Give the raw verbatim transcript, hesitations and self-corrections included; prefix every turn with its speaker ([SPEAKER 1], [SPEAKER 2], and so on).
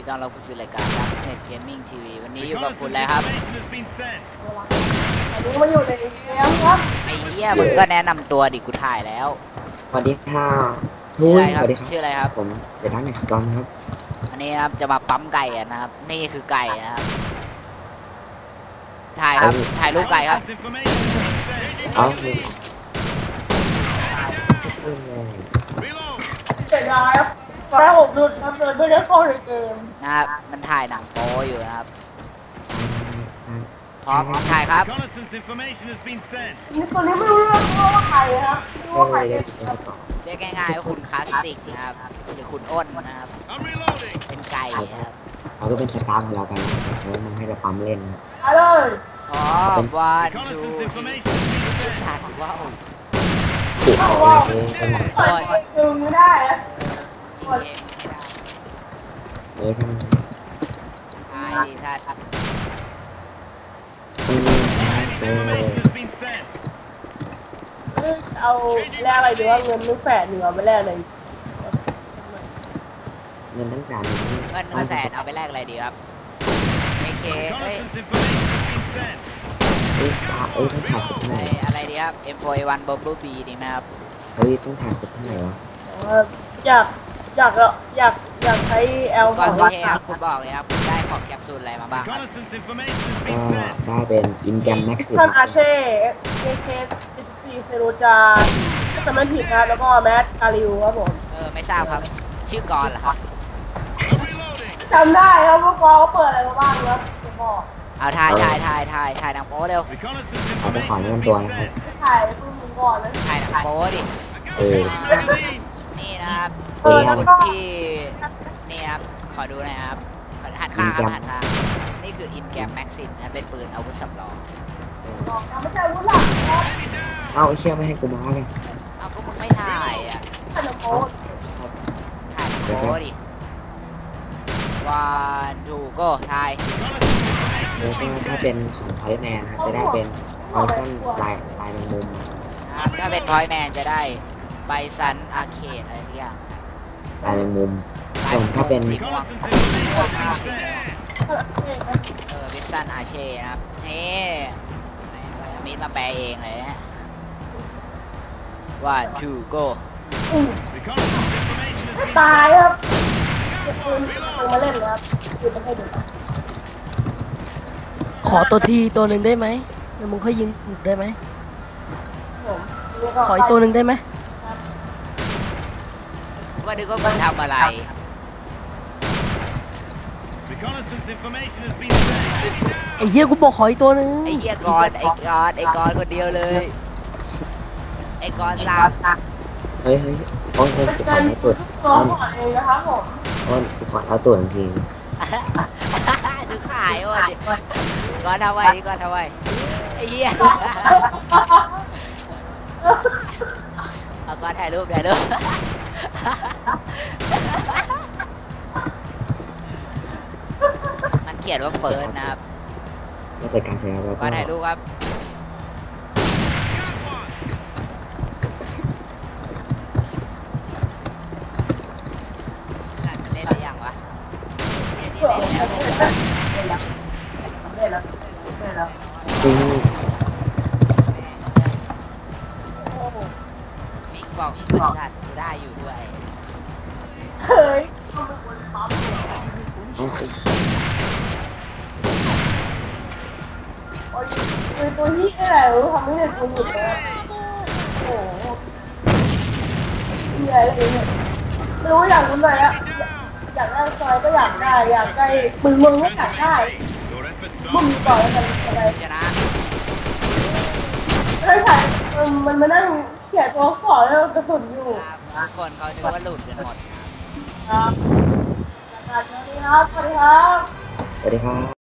[SPEAKER 1] ต้อนรับคุณสู่รายการ Darknet Gaming ที วี วันนี้อยู่กับคุณแล้วครับ
[SPEAKER 2] วันนี้มาอยู่ในเกมครับ
[SPEAKER 1] ไอ้เหี้ยมึงก็แนะนำตัวดิกูถ่ายแล้ว
[SPEAKER 3] สวัสดีค่ะ
[SPEAKER 1] ชื่ออะไรครับชื่ออะไรครับ
[SPEAKER 3] ผมเดทันเน็กซ์กอนครับ
[SPEAKER 1] อันนี้ครับจะมาปั๊มไก่นะครับนี่คือไก่นะครับถ่ายครับถ่ายรูปไก่ครับ
[SPEAKER 3] เอา
[SPEAKER 2] เสียดายครับแค่หกดุดครับเลยไม่ได้เข้าในเกม
[SPEAKER 1] นะครับมันถ่ายหนังโป๊อยู่นะครับพร้อมถ่ายครับ
[SPEAKER 2] นี่ตัวนี้ไม่รู้เรื่องว่าใครครับไม่รู้ว่าใครเป็น
[SPEAKER 1] เรียกง่ายๆว่าคุณคลาสติกนะครับหรือคุณอ้นนะครับเป็นไก่ครับ
[SPEAKER 3] เขาก็เป็นสตาร์ของเรากันเพราะมันให้เราปั๊มเล่น
[SPEAKER 2] มาเลย
[SPEAKER 1] พร้อมวันทูที่สัตว์ว้าว
[SPEAKER 3] ติดของเองเป็น
[SPEAKER 2] เปิดดึงไม่ได้อะ
[SPEAKER 3] เออใช่ไหม
[SPEAKER 1] ใช่ถ้า
[SPEAKER 2] เอาแลกอะไรดีว่าเงินนึกแสนหนึ่งเอาไปแลกเลย
[SPEAKER 3] เงินตั้งแต่
[SPEAKER 1] เงินหนึ่งแสนเอาไปแลกอะไรดีครับโอเคเฮ้ย
[SPEAKER 3] เอ้ยเอ้ยต้องถ่ายสุดเท่าไหร่
[SPEAKER 1] อะไรดีครับ เอ็ม โฟร์ เอ วัน Bumble Bee ดีไหมครับ
[SPEAKER 3] เฮ้ยต้องถ่ายสุดเท่าไหร่วะ
[SPEAKER 2] อยากอยากอยากอยากใช้แอล
[SPEAKER 1] ก่อนสุดท้ายครับคุณบอกเลยครับคุณได้ของแคปซูลอะไรมาบ้างครับ
[SPEAKER 3] ก็ได้เป็นอินแกมแม็กซ์
[SPEAKER 2] ท่านอาเช่เคเคสิบสี่เซโรจาถ้าจำไม่ผิดนะแล้วก็แมทกาลิวครับผม
[SPEAKER 1] เออไม่ทราบครับชื่อกรเหรอครับ
[SPEAKER 2] จำได้ครับว่ากรเขาเปิดอะไรมาบ้างครับจะบอก
[SPEAKER 1] เอาถ่ายถ่ายถ่ายถ่ายถ่ายหนังโป๊เร็ว
[SPEAKER 3] เอาไปขอเงินตัวนะครับ
[SPEAKER 2] ถ่ายคุณมึงก่อนเลย
[SPEAKER 1] ถ่ายหนังโป๊ดิ
[SPEAKER 3] เออ
[SPEAKER 1] นี่นะครับที่ที่นี่ครับขอดูหน่อยครับหันข้างครับหันข้างนี่คืออินแกมแม็กซิมนะเป็นปืนอาวุธสำรอง
[SPEAKER 2] ไม่ใช่อาวุธหลักครับ
[SPEAKER 3] เอาเชี่ยไม่ให้กูมาเลย
[SPEAKER 1] เอาก็มึงไม่ถ่ายอ่ะ
[SPEAKER 2] ถ่ายหนังโป๊
[SPEAKER 1] ถ่ายหนังโป๊ดิวันทูโก้ถ่าย
[SPEAKER 3] แล้วก็ถ้าเป็นของพอยแมนจะได้เป็นพอยซันลายลายแมงมุม
[SPEAKER 1] ถ้าเป็นพอยแมนจะได้ไบซันอาร์เคดอะไรทุกอย่าง
[SPEAKER 3] ลายแมงมุมส่วนถ้าเป็น
[SPEAKER 1] สีม่วงเออวิสันอาเช่นะครับเฮ้มิดมาแปลเองเลยนะวันทูโก้
[SPEAKER 2] ตายครับคุณเอามาเล่นครับคือมาให้ดู
[SPEAKER 4] ขอตัวทีตัวหนึ่งได้ไหมเดี๋ยวมึงค่อยยิงได้ไหมขออีกตัวหนึ่งได้ไหม
[SPEAKER 1] กูก็นึกว่ามึงทำอะไร
[SPEAKER 4] ไอ้เหี้ยกูบอกขออีกตัวหนึ่ง
[SPEAKER 1] ไอ้เหี้ยกอนไอ้กอนไอ้กอนคนเดียวเลยไอ้กอนสาม
[SPEAKER 3] เฮ้ยเฮ้ยอ้นเฮ้ยกูขอให้ตัว
[SPEAKER 2] อ้นเองนะครับผม
[SPEAKER 3] อ้นกูขอเอาตัวจริง
[SPEAKER 1] ดูขายอ้นกอนทำไว้ดิกอนทำไว้ไอ้เหี้ยเอากอนถ่ายรูปถ่ายรูปมันเขียนว่าเฟิร์สนะครับ
[SPEAKER 3] แล้วแต่การใช้แล้ว
[SPEAKER 1] ก็ถ่ายรูปครับสั่นเล่นหรือยังวะเชียร์นี่เล่นแล้ว
[SPEAKER 2] เล่นแล้วเล่นแล้ว
[SPEAKER 3] จริง
[SPEAKER 1] มิกบอกบริษัทกูได้อยู่ด้วย
[SPEAKER 2] เฮ้ยโอ้ยคือตัวนี้อะไรรู้ทำให้เด็กตัวหยุดเลยโอ้โหใหญ่เลยเนี่ยไม่รู้อยากรู้อะไรอะอยากได้ซอยก็อยากได้อยากได้มึงมึงก็อยากได้มึงต่อแล้วกันอะไร
[SPEAKER 1] ชนะ
[SPEAKER 2] ใช่ค่ะมันมานั่งเขียนตัวขอแล้วกระสุนอยู่
[SPEAKER 1] ทุกคนเขาคิดว่าหลุดกันหมด
[SPEAKER 2] ครับสวัสดีครับสวัสดีครับ
[SPEAKER 3] สวัสดีครับ